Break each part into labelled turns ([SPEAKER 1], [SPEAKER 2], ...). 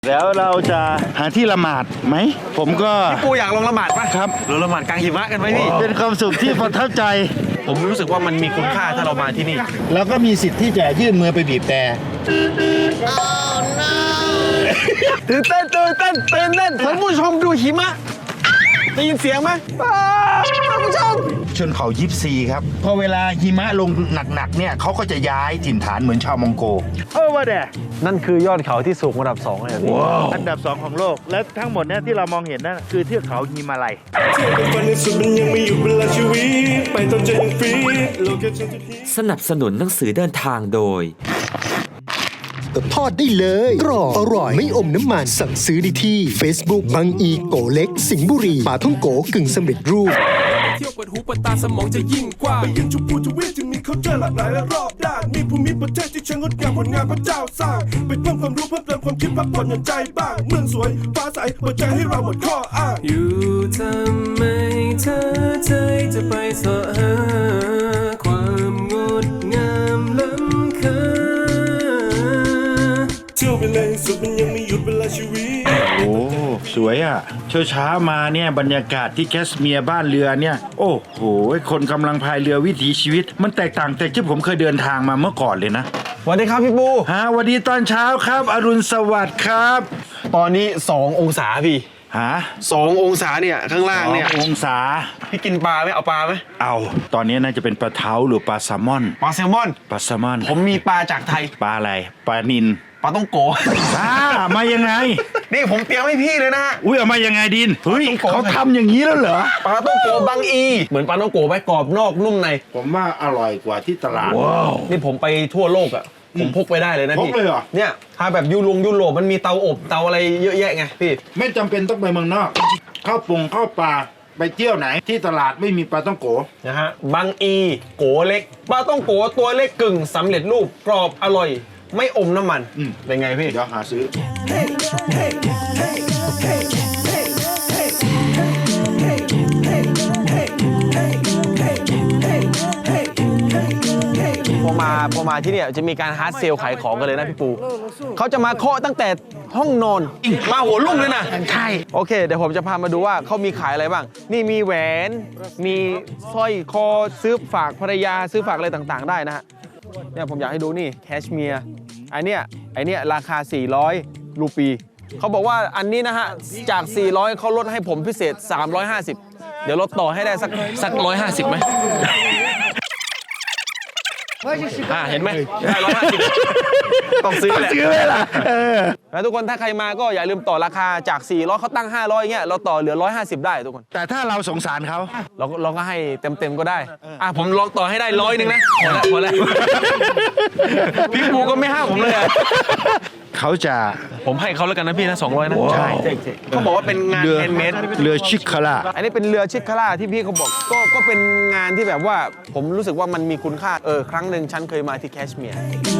[SPEAKER 1] แล้วเราจะหาที่ละหมาดไหมผมก็
[SPEAKER 2] พี่ปูอยากลงละหมาดป่ะ
[SPEAKER 1] ครับ
[SPEAKER 2] เราละหมาดกลางหิมะกันไหมพี่
[SPEAKER 1] เป็นความสุขที่ประทับใจ
[SPEAKER 2] ผมรู้สึกว่ามันมีคุณค่าถ้าเรามาที่นี่
[SPEAKER 1] แล้วก็มีสิทธิ์ที่จะยื่นมือไปบีบแต่
[SPEAKER 2] ตื่นเต้นท่านผู้ชมดูหิมะได้ยินเสียงไหมท่านผู้ชม
[SPEAKER 1] ชนเผ่ายิปซีครับพอเวลาหิมะลงหนักๆเนี่ยเขาก็จะย้ายถิ่นฐานเหมือนชาวมองโกว่าแด
[SPEAKER 2] นั่นคือยอดเขาที่สูงอันดับ2เลยพี่
[SPEAKER 1] อันดับ2ของโลกและทั้งหมดเนี่ยที่เรามองเห็นนั่นคือเทือกเขาฮิมาลัย
[SPEAKER 3] สนับสนุนหนังสือเดินทางโดย
[SPEAKER 4] ทอดได้เลยกรอบอร่อยไม่อมน้ำมันสั่งซื้อได้ที่ Facebook บางอีโกเล็กสิงห์บุรีปลาท่องโกกึ่งสำเร็จรูป
[SPEAKER 5] เที่ยวเปิดหูเปิดตาสมองจะยิ่งกว้างไปยังชมพูทวีปที่มีเขาเจอหลากหลายและรอบด้านมีภูมิประเทศที่ช่างงดงามผลงานพระเจ้าสร้างไปเพิ่มความรู้เพิ่มเติมความคิดพักผ่อนหย่อนใจบ้างเมืองสวยฟ้าใสเปิดใจให้เราหมดข้ออ้างอยู่ทำไมเธอใจจะไปสอหาความงดงามล้ำค่าเที่ยวไปเลยสุดมันยังไม่หยุดเวลาชีวิต
[SPEAKER 1] โอ้สวยอ่ะเช้ามาเนี่ยบรรยากาศที่แคสเมียร์บ้านเรือเนี่ยโอ้โหคนกำลังพายเรือวิถีชีวิตมันแตกต่างจากที่ผมเคยเดินทางมาเมื่อก่อนเลยนะ
[SPEAKER 2] สวัสดีครับพี่ปู
[SPEAKER 1] วันดีตอนเช้าครับอรุณสวัสดิ์ครับ
[SPEAKER 2] ตอนนี้2 องศาพี่2 องศาเนี่ยข้างล่างเนี่ย
[SPEAKER 1] 2 องศา
[SPEAKER 2] พี่กินปลาไหมเอาปลาไหม
[SPEAKER 1] เอาตอนนี้น่าจะเป็นปลาเท้าหรือปลาแซลมอน
[SPEAKER 2] ปลาแซลมอนผมมีปลาจากไทย
[SPEAKER 1] ปลาอะไรปลานิล
[SPEAKER 2] ปลาต้องโก
[SPEAKER 1] มายังไง
[SPEAKER 2] นี่ผมเตรียมให้พี่เลยนะ
[SPEAKER 1] อุ้ยเอามายังไงดินเฮ้ยเขาทำอย่างนี้แล้วเหรอ
[SPEAKER 2] ปลาต้องโกบางอีเหมือนปลาต้องโกไหมกรอบนอกนุ่มใน
[SPEAKER 1] ผมว่าอร่อยกว่าที่ตลาด
[SPEAKER 2] นี่ผมไปทั่วโลกอ่ะผมพกไปได้เลยนะพี่
[SPEAKER 1] พกเลยเหรอ
[SPEAKER 2] เนี่ยถ้าแบบยุโรปมันมีเตาอบเตาอะไรเยอะแยะไงพี่
[SPEAKER 1] ไม่จำเป็นต้องไปเมืองนอกเข้าปลาไปเที่ยวไหนที่ตลาดไม่มีปลาต้องโก
[SPEAKER 2] นะฮะบางอีโกเล็กปลาต้องโกตัวเล็กกึ่งสำเร็จรูปกรอบอร่อยไม่อมน้ำมันเป็นไงพี่
[SPEAKER 1] เดี๋ยวหาซื้อ
[SPEAKER 2] พอมาที่เนี่ยจะมีการฮาร์ดเซลขายของกันเลยนะพี่ปูเขาจะมาเคาะตั้งแต่ห้องนอนมาหัวลุ่มเลยนะ
[SPEAKER 1] ใช่
[SPEAKER 2] โอเคเดี๋ยวผมจะพามาดูว่าเขามีขายอะไรบ้างนี่มีแหวนมีสร้อยคอซื้อฝากภรรยาซื้อฝากอะไรต่างๆได้นะฮะเนี่ยผมอยากให้ดูนี่แคชเมียร์ไอเนี้ยราคา400 รูปีเขาบอกว่าอันนี้นะฮะจาก400เขาลดให้ผมพิเศษ350เดี๋ยวลดต่อให้ได้สัก150ไหมเห็นไหมได้150ต้องซื้อเลยล่ะแล้วทุกคนถ้าใครมาก็อย่าลืมต่อราคาจาก400เขาตั้ง500เงี้ยเราต่อเหลือ150ได้ทุกคน
[SPEAKER 1] แต่ถ้าเราสงสารเขา
[SPEAKER 2] เราก็ให้เต็มก็ได้ผมลองต่อให้ได้100นึงนะพอแล้วพี่ปูก็ไม่ห้ามผมเลย
[SPEAKER 1] เขาจะ
[SPEAKER 2] ผมให้เขาแล้วกันนะพี่นะ200นะ
[SPEAKER 1] ใช่
[SPEAKER 2] เขาบอกว่าเป็นงานแฮนด์เมด
[SPEAKER 1] เรือชิคาร่า
[SPEAKER 2] อันนี้เป็นเรือชิคาร่าที่พี่เขาบอกก็เป็นงานที่แบบว่าผมรู้สึกว่ามันมีคุณค่าครั้งหนึ่งฉันเคยมาที่แคชเมียร์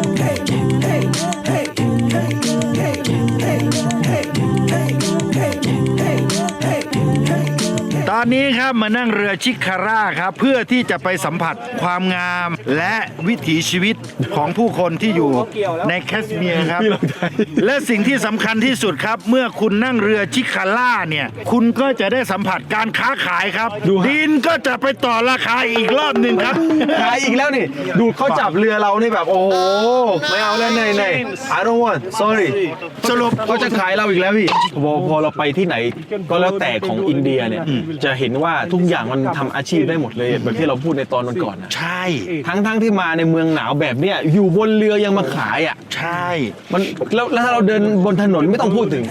[SPEAKER 1] ตอนนี้ครับมานั่งเรือชิคาร่าครับเพื่อที่จะไปสัมผัสความงามและวิถีชีวิตของผู้คนที่อยู่ในแคชเมียร์ครับและสิ่งที่สำคัญที่สุดครับเมื่อคุณนั่งเรือชิคาร่าเนี่ยคุณก็จะได้สัมผัสการค้าขายครับดินก็จะไปต่อราคาอีกรอบหนึ่งครับ
[SPEAKER 2] ขายอีกแล้วนี่ดูเขาจับเรือเรานี่แบบโอ้โหไม่เอาแล้วใน I don't want sorry
[SPEAKER 1] สรุป
[SPEAKER 2] เขาจะขายเราอีกแล้วพี่พอเราไปที่ไหนก็แล้วแต่ของอินเดียเนี่ยจะเห็นว่าทุกอย่างมันทำอาชีพได้หมดเลยแบบที่เราพูดในตอนก่อนนะ
[SPEAKER 1] ใช่
[SPEAKER 2] ทั้งที่มาในเมืองหนาวแบบเนี้ยอยู่บนเรือยังมาขายอ่ะ
[SPEAKER 1] ใช่
[SPEAKER 2] มันแล้วถ้าเราเดินบนถนนไม่ต้องพูดถึง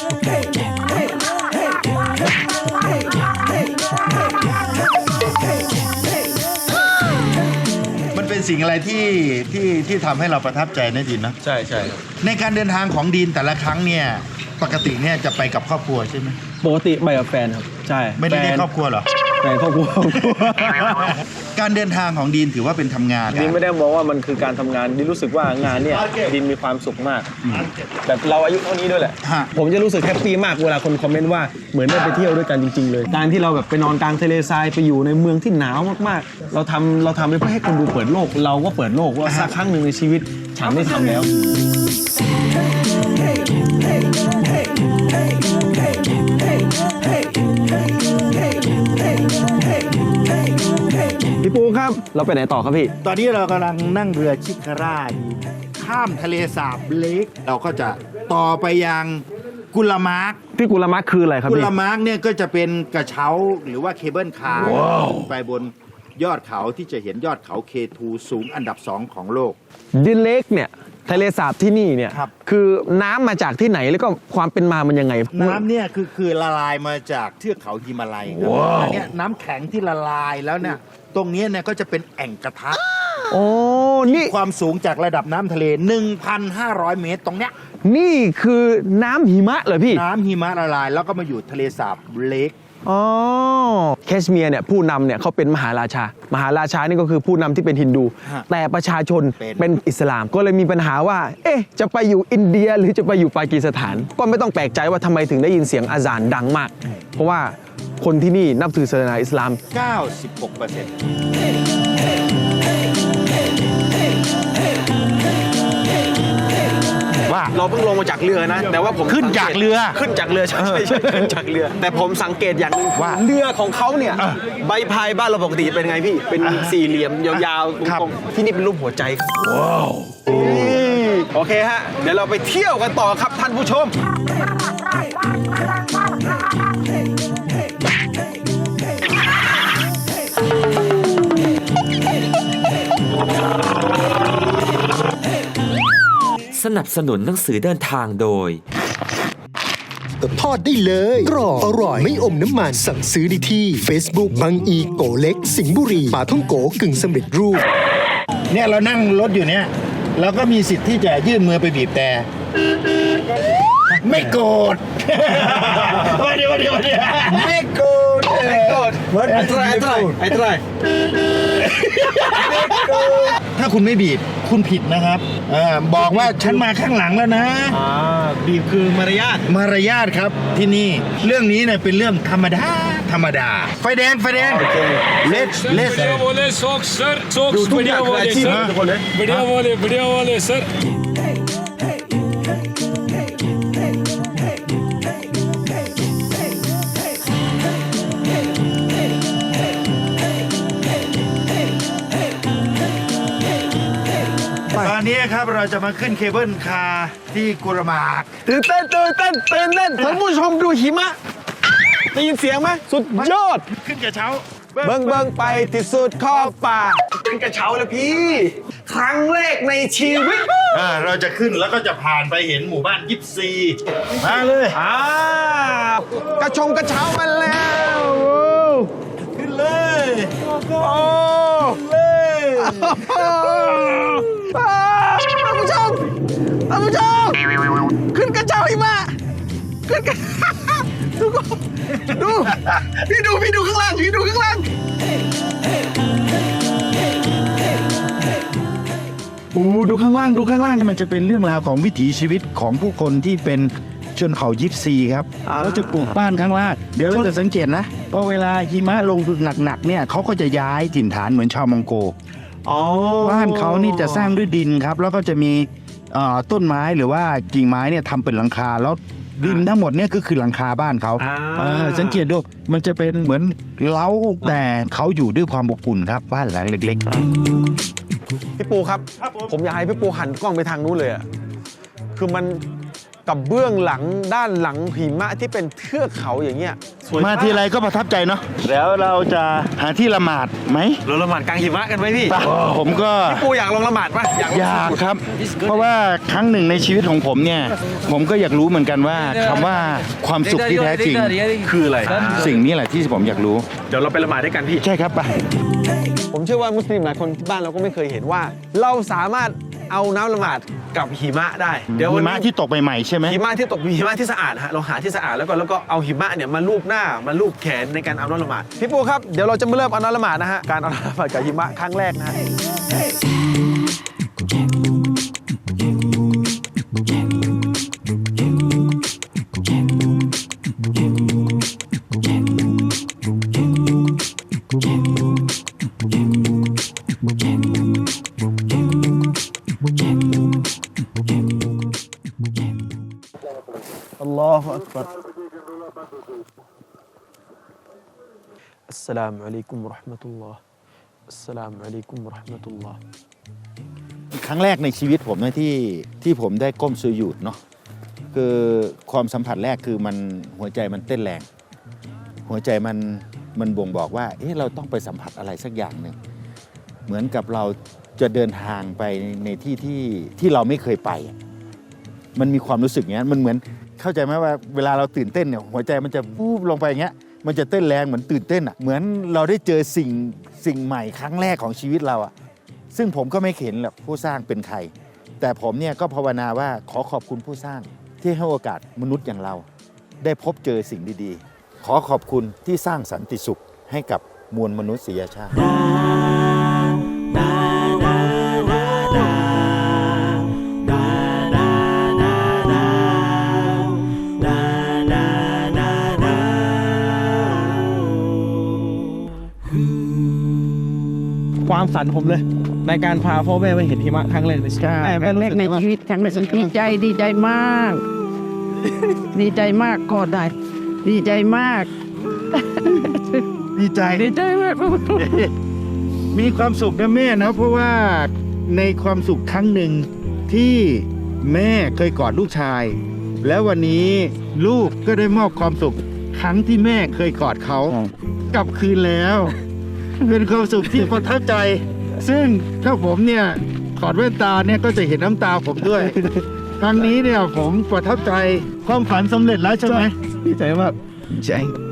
[SPEAKER 1] มันเป็นสิ่งอะไรที่ทำให้เราประทับใจนะดินนะ
[SPEAKER 2] ใช่
[SPEAKER 1] ในการเดินทางของดินแต่ละครั้งเนี่ยปกติเนี่ยจะไปกับครอบครัวใช่ไหม
[SPEAKER 2] ปกติไปกับแฟนครับใช่
[SPEAKER 1] ไม่ได้เรียกครอบครัวเหรอ
[SPEAKER 2] แฟนครอบครัว
[SPEAKER 1] การเดินทางของดินถือว่าเป็นทำงาน
[SPEAKER 2] ดินไม่ได้มองว่ามันคือการทำงานดินรู้สึกว่างานเนี่ยดินมีความสุขมากแบบเราอายุเท่านี้ด้วยแหละผมจะรู้สึกแฮปปี้มากเวลาคนคอมเมนต์ว่าเหมือนได้ไปเที่ยวด้วยกันจริงๆเลยการที่เราแบบไปนอนกลางทะเลทรายไปอยู่ในเมืองที่หนาวมากๆเราทำไปเพื่อให้คนดูเปิดโลกเราก็เปิดโลกว่าสักครั้งหนึ่งในชีวิตฉันได้ทำแล้วเราไปไหนต่อครับพี่
[SPEAKER 1] ตอนนี้เรากำลังนั่งเรือชิคาร่าอยู่ข้ามทะเลสาบเล็กเราก็จะต่อไปยังกุลมาร์ก
[SPEAKER 2] พี่กุลมะคืออะไรครับ
[SPEAKER 1] กุ
[SPEAKER 2] พี่
[SPEAKER 1] ลมาร์กเนี่ยก็จะเป็นกระเช้าหรือว่าเคเบิลคาร์ไปบนยอดเขาที่จะเห็นยอดเขาเคทูสูงอันดับ 2 ของโลก
[SPEAKER 2] ดินเล็กเนี่ยทะเลสาบที่นี่เนี่ย
[SPEAKER 1] ครับ
[SPEAKER 2] คือน้ำมาจากที่ไหนแล้วก็ความเป็นมามันยังไง
[SPEAKER 1] น้ำเนี่ยคือละลายมาจากเทือกเขาฮิมาลัยครับอันเนี้ยน้ำแข็งที่ละลายแล้วเนี่ยตรงเนี้ยเนี่ยก็จะเป็นแอ่งกระทะ
[SPEAKER 2] โอ้นี่
[SPEAKER 1] ความสูงจากระดับน้ำทะเล 1,500 เมตรตรงเนี้ย
[SPEAKER 2] นี่คือน้ำหิมะเหรอพี่
[SPEAKER 1] น้ำหิมะละลายแล้วก็มาอยู่ทะเลสาบเล็ก
[SPEAKER 2] อ๋อแคชเมียร์เนี่ยผู้นำเนี่ยเขาเป็นมหาราชา มหาราชานี่ก็คือผู้นำที่เป็นฮินดู
[SPEAKER 1] ฮะ
[SPEAKER 2] แต่ประชาชน
[SPEAKER 1] เป็น
[SPEAKER 2] เป็นอิสลาม ก็เลยมีปัญหาว่า เอ๊ะ จะไปอยู่อินเดียหรือจะไปอยู่ปากีสถาน ก็ไม่ต้องแปลกใจว่าทำไมถึงได้ยินเสียงอาซานดังมาก เพราะว่าคนที่นี่นับถือศาสนาอิสลาม
[SPEAKER 1] 96% ว่า
[SPEAKER 2] เราเพิ่งลงมาจากเรือนะ แต่ว่าผม
[SPEAKER 1] ขึ้นจากเรือ
[SPEAKER 2] ขึ้นจากเรือใช่ขึ้นจากเรือ แต่ผมสังเกตอย่างหนึง
[SPEAKER 1] ว่า
[SPEAKER 2] เรือของเขาเนี่ยใบพายบ้านเราปกติเป็นไงพี่ เป็นสี่เหลี่ยมยาวๆ
[SPEAKER 1] ครับ
[SPEAKER 2] ตรงๆที่นี่เป็นรูปหัวใจครับว้าวโอเคฮะ เดี๋ยวเราไปเที่ยวกันต่อครับท่านผู้ชม
[SPEAKER 3] สนับสนุนหนังสือเดินทางโดย
[SPEAKER 4] ทอดได้เลยกรอบอร่อยไม่อมน้ำมันสั่งซื้อได้ที่ Facebook บางอีโกเล็ก สิงห์บุรีปาท่องโกกึ่งสำเร็จรูป
[SPEAKER 1] เนี่ยเรานั่งรถอยู่เนี่ยเราก็มีสิทธิ์ที่จะยื่นมือไปบีบแต่ไม่โกรธวันเดียวไม่โกรธไม่โกรธไอ้ตรายถ้าคุณไม่บีบคุณผิดนะครับบอกว่าฉันมาข้างหลังแล้วนะ
[SPEAKER 2] บีบคือมารยาท
[SPEAKER 1] มารยาทครับที่นี่เรื่องนี้เนี่ยเป็นเรื่องธรรมดาไฟแดงเลส
[SPEAKER 6] बढ़िया बोले शौक सर शौक बढ़िया बोले सर बढ़िया बोले सर
[SPEAKER 1] ตอนนี้ครับเราจะมาขึ้นเคเบิลคาร์ที่กุรมาร์ก
[SPEAKER 2] ตื่นเต้นท่านผู้ชมดูหิมะได้ยินเสียงไหมสุดยอด
[SPEAKER 1] ขึ้นกระเช้า
[SPEAKER 2] เบิ้งไปที่สุดขอบป่าเป็นกระเช้าเลยพี่ ครั้งแรกในชีวิต
[SPEAKER 1] เราจะขึ้นแล้วก็จะผ่านไปเห็นหมู่บ้านยิปซีมาเลย
[SPEAKER 2] กระเช้ามาแล้ว
[SPEAKER 1] ขึ้นเลย
[SPEAKER 2] โอ้ท่านผู้ชมขึ้นกระเช้าหิมะขึ้นกระดูพี่ดูข้างล่าง
[SPEAKER 1] โอ้ดูข้างล่างมันจะเป็นเรื่องราวของวิถีชีวิตของผู้คนที่เป็นชนเผ่ายิปซีครับเขาจะปลูกบ้านข้างล่างเดี๋ยวเราจะสังเกตนะพอเวลาหิมะลงหนักๆเนี่ยเขาก็จะย้ายถิ่นฐานเหมือนชาวมองโกบ้านเขานี่จะสร้างด้วยดินครับแล้วก็จะมีต้นไม้หรือว่ากิ่งไม้เนี่ยทำเป็นหลังคาแล้วดินทั้งหมดเนี่ยก็คือหลังคาบ้านเขาสังเกตดูมันจะเป็นเหมือนเล้าแต่เขาอยู่ด้วยความอบอุ่นครับบ้านหลังเล็กๆ
[SPEAKER 2] พี่ปูครับ ผมอยากให้พี่ปูหันกล้องไปทางนู้นเลยอะคือมันกับเบื้องหลังด้านหลังหิมะที่เป็นเทือกเขาอย่างเงี้ยสวย
[SPEAKER 1] มาทีไรก็ประทับใจเนาะแล้วเราจะหาที่ละหมาดไหม
[SPEAKER 2] เราละหมาดกลางหิมะกันไหมพี่
[SPEAKER 1] ผมก็
[SPEAKER 2] พี่ปูอยากลงละหมาดปะ
[SPEAKER 1] อยากครับ เพราะว่าครั้งหนึ่งในชีวิตของผมเนี่ย ผมก็อยากรู้เหมือนกันว่าคำว่าความสุขที่แท้จริง
[SPEAKER 2] คืออะไร
[SPEAKER 1] สิ่งนี้แหละที่ผมอยากรู้
[SPEAKER 2] เดี๋ยวเราไปละหมาดด้วยกันพี่
[SPEAKER 1] ใช่ครับไป
[SPEAKER 2] ผมเชื่อว่ามุสลิมหลายคนที่บ้านเราก็ไม่เคยเห็นว่า เราสามารถเอาน้ำละหมาดกับหิมะได้ เดี๋ยว
[SPEAKER 1] หิ
[SPEAKER 2] วัน
[SPEAKER 1] มะ
[SPEAKER 2] นี้
[SPEAKER 1] ที่ตกใหม่ๆใช่ไหม
[SPEAKER 2] หิมะที่ตกหิมะที่สะอาดฮะเราหาที่สะอาดแล้วก็เอาหิมะเนี่ยมาลูบหน้ามาลูบแขนในการเอาน้ำละหมาดพี่ปูครับเดี๋ยวเราจะมาเริ่มเอาน้ำละหมาดนะฮะการเอาน้ำละหมาดกับหิมะครั้งแรกนะฮะ الله أكبر السلام عليكم ورحمة الله อัสสลามุอะลัยกุมวะเราะห์มะตุลลอฮ์
[SPEAKER 1] ครั้งแรกในชีวิตผมนะที่ผมได้ก้มสุญูดเนาะคือความสัมผัสแรกคือมันหัวใจมันเต้นแรง หัวใจมันบ่งบอกว่าเราต้องไปสัมผัสอะไรสักอย่างหนึ่งเหมือนกับเราจะเดินทางไปในที่เราไม่เคยไป มันมีความรู้สึกอย่างนี้มันเหมือนเข้าใจไหมว่าเวลาเราตื่นเต้นเนี่ยหัวใจมันจะวูบลงไปอย่างเงี้ยมันจะเต้นแรงเหมือนตื่นเต้นอ่ะเหมือนเราได้เจอสิ่งใหม่ครั้งแรกของชีวิตเราอ่ะซึ่งผมก็ไม่เห็นหรอกผู้สร้างเป็นใครแต่ผมเนี่ยก็ภาวนาว่าขอขอบคุณผู้สร้างที่ให้โอกาสมนุษย์อย่างเราได้พบเจอสิ่งดีๆขอขอบคุณที่สร้างสันติสุขให้กับมวลมนุษยชาติ
[SPEAKER 2] ความฝันผมเลย ในการพาพ่อแม่ไปเห็นหิมะครั้งแรกในชีวิต
[SPEAKER 7] ครั้งแรกในชีวิตครั้งแรกดีใจมาก ดีใจมากก็ได้ ดีใจมาก
[SPEAKER 1] ดีใจ
[SPEAKER 7] ดีใจมาก
[SPEAKER 1] มีความสุขนะแม่นะเพราะว่าในความสุขครั้งหนึ่งที่แม่เคยกอดลูกชาย แล้ววันนี้ลูกก็ได้มอบความสุขครั้งที่แม่เคยกอดเขากลับคืนแล้ว เป็นความสุขที่ประทับใจ ซึ่งถ้าผมเนี่ยถอดแว่นตาเนี่ยก็จะเห็นน้ำตาผมด้วย ครั้งนี้เนี่ยผมประทับใจความฝันสำเร็จแล้วใช่ไหม
[SPEAKER 2] ดีใจมากใจ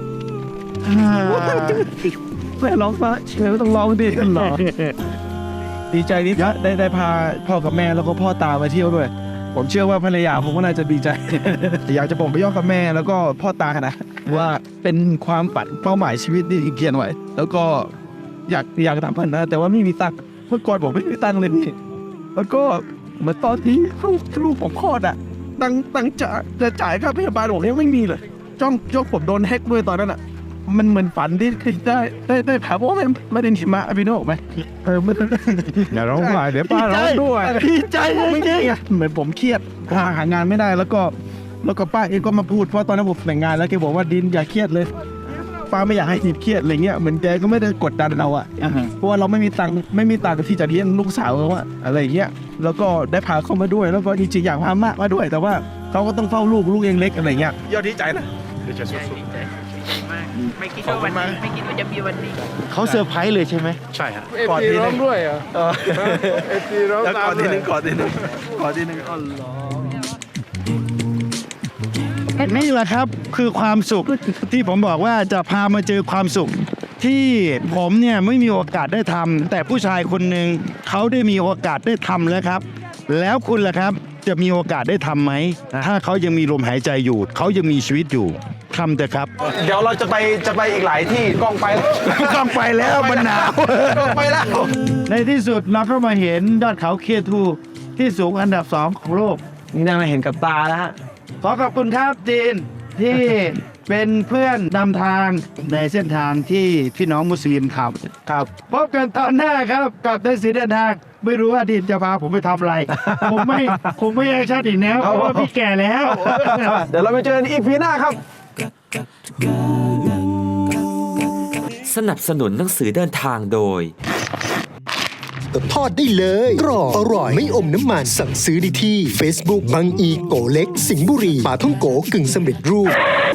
[SPEAKER 2] แม่ร้องฟ้าเชื่อต้องร้องดิกันหรอ ดีใจที่ได้พาพ่อกับแม่แล้วก็พ่อตามาเที่ยวด้วย ผมเชื่อว่าภรรยาผมก็น่าจะดีใจ อยากจะบอกไปย่อกับแม่แล้วก็พ่อตานะว่าเป็นความฝันเป้าหมายชีวิตที่เขียนไว้แล้วก็อยากทำพันนะแต่ว่าไม่มีตังค์เมื่อก่อนผมไม่มีตังค์เลยพี่แล้วก็เหมือนตอนที่ลูกผมคลอดอ่ะตังค์จะจ่ายค่าพยาบาลผมยังไม่มีเลยจ้องผมโดนแฮกด้วยตอนนั้นอ่ะมันเหมือนฝันที่ได้ผ่าเพราะว่าไม่ได้หิมะพี่โน้ไหมไม่อย่าร้องไห้เดี๋ยวป้าร้องด้วยดีใจจริงๆเหมือนผมเครียดหางานไม่ได้แล้วก็ป้าเองก็มาพูดเพราะตอนนั้นผมแต่งงานแล้วแกบอกว่าดินอย่าเครียดเลยป้าไม่อยากให้ดินเครียดอะไรเงี้ยเหมือนแกก็ไม่ได้กดดันเราอ่ะเพราะว่าเราไม่มีตังค์ที่จะเลี้ยงลูกสาวเขาอะอะไรเงี้ยแล้วก็ได้พาเขามาด้วยแล้วก็จริงๆอยากพามากมาด้วย แต่ว่าเขาก็ต้องเฝ้าลูกเองเล็กอะไรเงี้ยยอดดีใจนะ
[SPEAKER 7] ไม่คิดว่าจะมีวันนี้
[SPEAKER 1] เขาเซอร์ไพรส์เลยใช่ไหม
[SPEAKER 6] ใช่ฮะ
[SPEAKER 2] กอดทีนึงด้วยอ่ะ
[SPEAKER 6] แล้วกอดทีนึง
[SPEAKER 2] กอดทีนึงอ๋อเหรอ
[SPEAKER 1] นี่แหละครับคือความสุขที่ผมบอกว่าจะพามาเจอความสุข ที่ผมเนี่ยไม่มีโอกาสได้ทำแต่ผู้ชายคนหนึ่งเขาได้มีโอกาสได้ทำแล้วครับ แล้วคุณล่ะครับจะมีโอกาสได้ทำไหมถ้าเขายังมีลมหายใจอยู่เขายังมีชีวิตอยู่ทำเถอะครับ
[SPEAKER 2] เดี๋ยวเราจะไปอีกหลายที่กล้องไป
[SPEAKER 1] ต้องไปแล้วมันหนาว
[SPEAKER 2] กล้องไปแล้ว
[SPEAKER 1] ในที่สุดเราก็มาเห็นยอดเขาเคทูที่สูงอันดับ 2 ของโลก
[SPEAKER 2] นี่น่ามาเห็นกับตาแล้วฮะ
[SPEAKER 1] ขอขอบคุณครับจีนที่เป็นเพื่อนนำทางในเส้นทางที่พี่น้องมุสลิมขับครับพบกันตอนหน้าครับกับในสีเดินทางไม่รู้ว่าดินจะพาผมไปทำอะไร ผมไม่แอคชั่นอีกแล้วเพราะว่าพี่แก่แล้ว
[SPEAKER 2] เดี๋ยวเราไปเจอกันอีพีหน้าครับ
[SPEAKER 3] สนับสนุนหนังสือเดินทางโดย
[SPEAKER 4] ทอดได้เลยกรอบอร่อยไม่อมน้ำมันสั่งซื้อได้ที่ Facebook บางอีโกเล็กสิงห์บุรีปาท่องโกกึ่งสำเร็จรูป